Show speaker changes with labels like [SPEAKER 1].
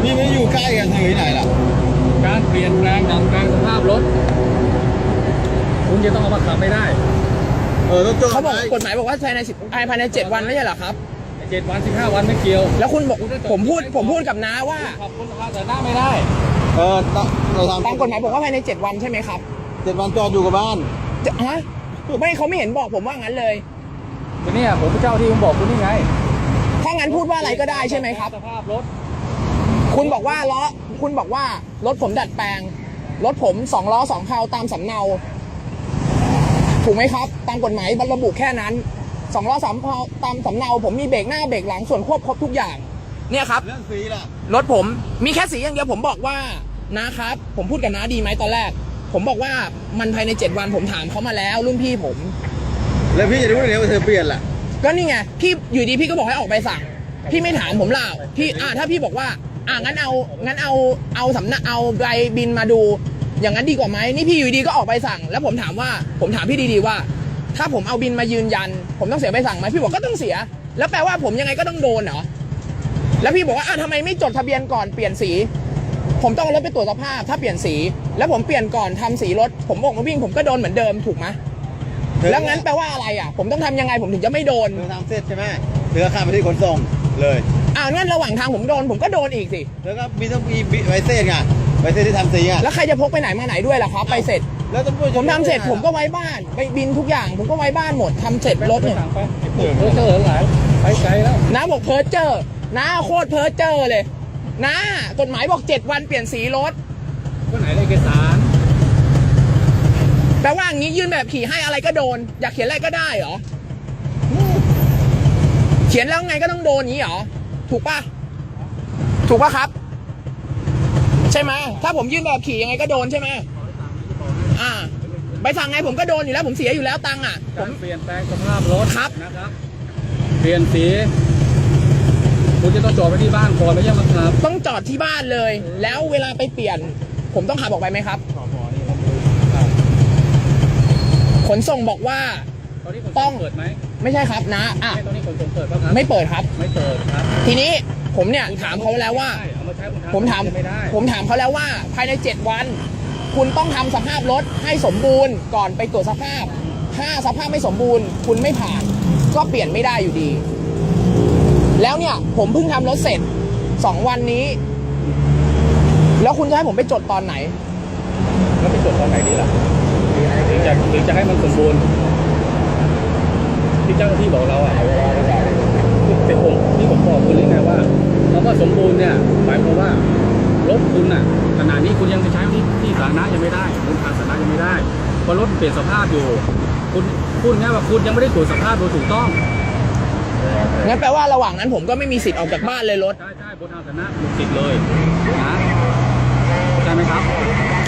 [SPEAKER 1] นี่ไม่อยู่ใกล้กันทางไหนล่ะ
[SPEAKER 2] การเปลี่ยนแปลงดัดแปลงสภาพรถคุณจะต้องเอามาขับไม่ได้
[SPEAKER 1] ต้องจอด
[SPEAKER 3] เขาบอกกฎหมายบอกว่าภายใน7 วันไม่ใช่เหรอครับ
[SPEAKER 2] 7 วัน 15 วันไม่เกี่ยว
[SPEAKER 3] แล้วคุณบอกผมพูดกับน้าว่า
[SPEAKER 2] ขับคุณสภาพแต่หน้าไม่ได้
[SPEAKER 1] เราทำ
[SPEAKER 3] ตามกฎหมายบอกว่าภายใน7 วันใช่ไหมครับ
[SPEAKER 1] 7 วันจอดอยู่กับบ้าน
[SPEAKER 3] ฮะไม่เขาไม่เห็นบอกผมว่างั้นเลย
[SPEAKER 2] ก็เนี่ยผมเป็นเจ้าที่ผมบอกคุณนี่ไง
[SPEAKER 3] ถ้างั้นพูดว่าอะไรก็ได้ใช่ไหมครับ
[SPEAKER 2] สภาพรถ
[SPEAKER 3] คุณบอกว่ารถผมดัดแปลงรถผม2 ล้อ 2 เพลาตามสำเนาถูกไหมครับตามกฎหมายระบุแค่นั้น2 ล้อ 3 เพลาตามสำเนาผมมีเบรกหน้าเบรกหลังส่วนควบครบทุกอย่างเนี่ยครับ
[SPEAKER 1] เรื่องสีล่ะ
[SPEAKER 3] รถผมมีแค่สีอย่างเดียวผมบอกว่านะครับผมพูดกับน้าดีไหมตอนแรกผมบอกว่ามันภายใน7 วันผมถามเขามาแล้วรุ่นพี่ผม
[SPEAKER 1] แล้วพี่จะรู้ได้ไงว่าเธอเปลี่ยนล่ะ
[SPEAKER 3] ก็นี่ไงพี่อยู่ดีพี่ก็บอกให้ออกใบสั่งพี่ไม่ถามผมล่ะพี่ถ้าพี่บอกว่างั้นเอาสำนักเอาใบบินมาดูอย่างนั้นดีกว่าไหมนี่พี่อยู่ดีก็ออกใบสั่งแล้วผมถามพี่ดีๆว่าถ้าผมเอาบินมายืนยันผมต้องเสียใบสั่งไหมพี่บอกก็ต้องเสียแล้วแปลว่าผมยังไงก็ต้องโดนเหรอแล้วพี่บอกว่าทำไมไม่จดทะเบียนก่อนเปลี่ยนสีผมต้องเอารถไปตรวจสภาพถ้าเปลี่ยนสีแล้วผมเปลี่ยนก่อนทำสีรถผมบอกมาวิ่งผมก็โดนเหมือนเดิมถูกไหมแล้วงั้นแปลว่าอะไรผมต้องทำยังไงผมถึงจะไม่โดน
[SPEAKER 1] เธอทำเสร็จใช่ไหมเธอข้ามไปที่ขนส่งเลย
[SPEAKER 3] งั้นระหว่างทางผมโดนผมก็โดนอีกสิ
[SPEAKER 1] แล้วก็ต้องมีใบเสร็จไงใบเสร็จที่ทำสีไง
[SPEAKER 3] แล้วใครจะพกไปไหนมาไหนด้วยล่ะครับไปเสร็จ
[SPEAKER 1] แล้ว
[SPEAKER 3] ผมทำเสร็จผมก็ไว้บ้านไปบินทุกอย่างผมก็ไว้บ้านหมดทำเสร็จรถเนี่ย
[SPEAKER 2] เพ้อเจ้อหลายไปไกลแล้ว
[SPEAKER 3] น้าบอกเพ้อเจ้อน้าโคตรเพ้อเจ้อเลยน้ากฎหมายบอก7 วันเปลี่ยนสีรถ
[SPEAKER 2] ก็ไหนเอกสาร
[SPEAKER 3] แปลว่าอย่างนี้ยื่นแบบขี่ให้อะไรก็โดนอยากเขียนอะไรก็ได้เหรอเขียนแล้วไงก็ต้องโดนอย่างนี้เหรอถูกป่ะครับใช่ไหมถ้าผมยื่นแบบขี่ยังไงก็โดนใช่ไหมใบสั่งไงผมก็โดนอยู่แล้วผมเสียอยู่แล้วตังค์
[SPEAKER 2] ผมเปลี่ยนแปลงสภาพรถ
[SPEAKER 3] ครับ
[SPEAKER 2] นะครับเปลี่ยนสีคุณจะต้องจอดไว้ที่บ้านก่อนไม่ใช่ไหมครับ
[SPEAKER 3] ต้องจอดที่บ้านเลยแล้วเวลาไปเปลี่ยนผมต้องขับออกไปไหมครับขนส่งบอกว่า
[SPEAKER 2] ต้องเปิดไหม
[SPEAKER 3] ไม่ใช่ครับนะ
[SPEAKER 2] ตอนนี้ขนส่งเปิดป่ะครับ
[SPEAKER 3] ไม่เปิดครับ
[SPEAKER 2] ไม่เปิดครับ
[SPEAKER 3] ทีนี้ผมเนี่ยถามเขาแล้วว่าผมถามเขาแล้วว่าภายใน7 วันคุณต้องทำสภาพรถให้สมบูรณ์ก่อนไปตรวจสภาพถ้าสภาพไม่สมบูรณ์คุณไม่ผ่านก็เปลี่ยนไม่ได้อยู่ดีแล้วเนี่ยผมเพิ่งทำรถเสร็จ2 วันนี้แล้วคุณจะให้ผมไปจดตอนไหน
[SPEAKER 2] แล้วไปจดตอนไหนดีล่ะถึงจะให้มันสมบูรณ์ที่เจ้าหน้าที่บอกเราเป็นผมที่ผมบอกคุณเลยไงว่าคำว่าสมบูรณ์เนี่ยหมายความว่ารถคุณขณะนี้คุณยังจะใช้ที่สาธารณะยังไม่ได้บนทางสาธารณะยังไม่ได้เพราะรถเปลี่ยนสภาพอยู่คุณพูดง่ายว่าคุณยังไม่ได้ตรวจสภาพโดยถูกต้อง
[SPEAKER 3] งั้นแปลว่าระหว่างนั้นผมก็ไม่มีสิทธิ์ออกจากบ้านเลยรถ
[SPEAKER 2] ใช่บนทางสาธารณะมีสิทธิ์เลยนะใช่ไหมครับ